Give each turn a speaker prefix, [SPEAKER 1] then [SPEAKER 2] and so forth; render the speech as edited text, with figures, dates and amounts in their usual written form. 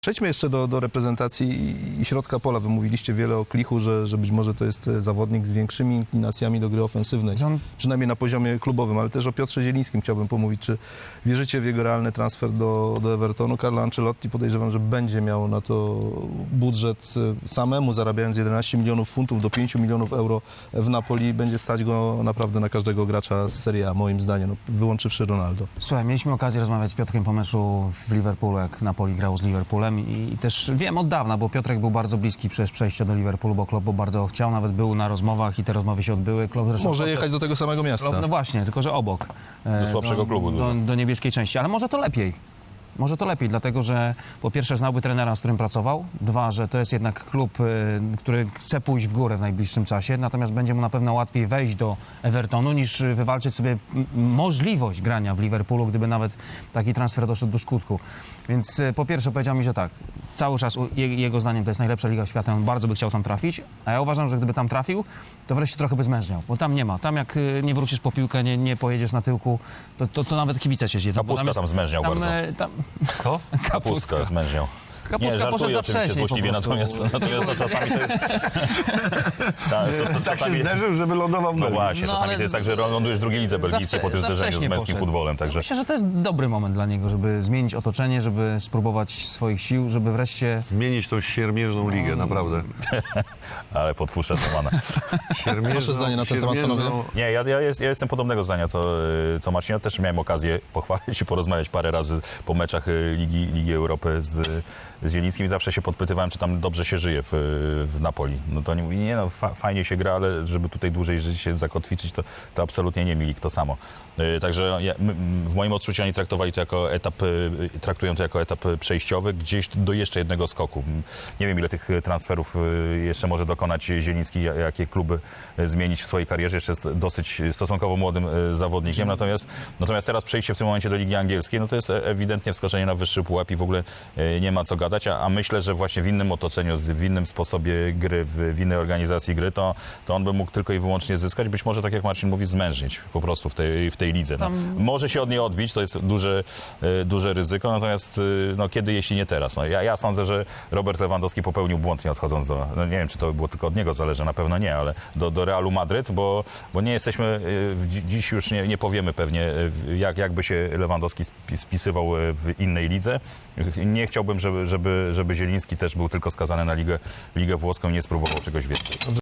[SPEAKER 1] Przejdźmy jeszcze do reprezentacji i środka pola. Wy mówiliście wiele o Klichu, że być może to jest zawodnik z większymi inklinacjami do gry ofensywnej, przynajmniej na poziomie klubowym, ale też o Piotrze Zielińskim chciałbym pomówić. Czy wierzycie w jego realny transfer do Evertonu? Carlo Ancelotti, podejrzewam, że będzie miał na to budżet samemu, zarabiając 11 milionów funtów do 5 milionów euro w Napoli. Będzie stać go naprawdę na każdego gracza z Serie A, moim zdaniem, no, wyłączywszy Ronaldo.
[SPEAKER 2] Słuchaj, mieliśmy okazję rozmawiać z Piotrkiem po meczu w Liverpoolu, jak Napoli grał z Liverpoolem i też wiem od dawna, bo Piotrek był bardzo bliski przez przejście do Liverpoolu, bo Klopp bardzo chciał, nawet był na rozmowach i te rozmowy się odbyły. Klopp zresztą
[SPEAKER 1] Może jechać do tego samego miasta.
[SPEAKER 2] Klopp, no właśnie, tylko że obok.
[SPEAKER 3] Do słabszego klubu.
[SPEAKER 2] Do niebieskiej części, ale może to lepiej. Może to lepiej, dlatego że po pierwsze znałby trenera, z którym pracował, dwa, że to jest jednak klub, który chce pójść w górę w najbliższym czasie, natomiast będzie mu na pewno łatwiej wejść do Evertonu niż wywalczyć sobie możliwość grania w Liverpoolu, gdyby nawet taki transfer doszedł do skutku. Więc po pierwsze powiedział mi, że tak, cały czas jego zdaniem to jest najlepsza liga świata, on bardzo by chciał tam trafić, a ja uważam, że gdyby tam trafił, to wreszcie trochę by zmężniał, bo tam nie ma. Tam jak nie wrócisz po piłkę, nie pojedziesz na tyłku, to nawet kibice się zjedzą.
[SPEAKER 3] Kapustka tam zmężniał bardzo.
[SPEAKER 2] Kto?
[SPEAKER 3] Kapustka zmężniał.
[SPEAKER 2] Kapustka poszedł za
[SPEAKER 3] oczywiście
[SPEAKER 2] wcześnie
[SPEAKER 3] złośliwie, natomiast to czasami to jest...
[SPEAKER 4] Tak się zderzył, że wylądował w
[SPEAKER 3] No
[SPEAKER 4] Belgii.
[SPEAKER 3] właśnie,
[SPEAKER 2] No,
[SPEAKER 3] czasami
[SPEAKER 2] ale
[SPEAKER 3] to jest tak, że lądujesz w drugiej lidze belgijskiej po tym
[SPEAKER 2] za
[SPEAKER 3] zderzeniu z
[SPEAKER 2] wcześnie
[SPEAKER 3] męskim
[SPEAKER 2] poszedł.
[SPEAKER 3] futbolem, także...
[SPEAKER 2] Myślę, że to jest dobry moment dla niego, żeby zmienić otoczenie, żeby spróbować swoich sił, żeby wreszcie...
[SPEAKER 4] Zmienić tą siermierzną ligę, naprawdę.
[SPEAKER 3] Ale podpuszczę Romana.
[SPEAKER 1] Wasze zdanie na ten temat, panowie?
[SPEAKER 3] Nie, ja jestem podobnego zdania, co Marcin. Ja też miałem okazję pochwalić i porozmawiać parę razy po meczach Ligi Europy z Zielińskim i zawsze się podpytywałem, czy tam dobrze się żyje w Napoli. No to oni mówili, nie no, fajnie się gra, ale żeby tutaj dłużej żyć, się zakotwiczyć, to absolutnie nie Milik, to samo. Także w moim odczuciu oni traktują to jako etap przejściowy, gdzieś do jeszcze jednego skoku. Nie wiem, ile tych transferów jeszcze może dokonać Zieliński, jakie kluby zmienić w swojej karierze. Jeszcze jest dosyć stosunkowo młodym zawodnikiem, natomiast teraz przejście w tym momencie do Ligi Angielskiej, no to jest ewidentnie wskoczenie na wyższy pułap i w ogóle nie ma co gadać, a myślę, że właśnie w innym otoczeniu, w innym sposobie gry, w innej organizacji gry, to on by mógł tylko i wyłącznie zyskać, być może, tak jak Marcin mówi, zmężnić po prostu w tej lidze. No, może się od niej odbić, to jest duże ryzyko, natomiast no, kiedy, jeśli nie teraz? No, ja sądzę, że Robert Lewandowski popełnił błąd, nie odchodząc no, nie wiem, czy to było tylko od niego zależy, na pewno nie, ale do Realu Madryt, bo nie jesteśmy, dziś już nie powiemy pewnie, jakby się Lewandowski spisywał w innej lidze. Nie chciałbym, żeby Zieliński też był tylko skazany na ligę włoską i nie spróbował czegoś więcej.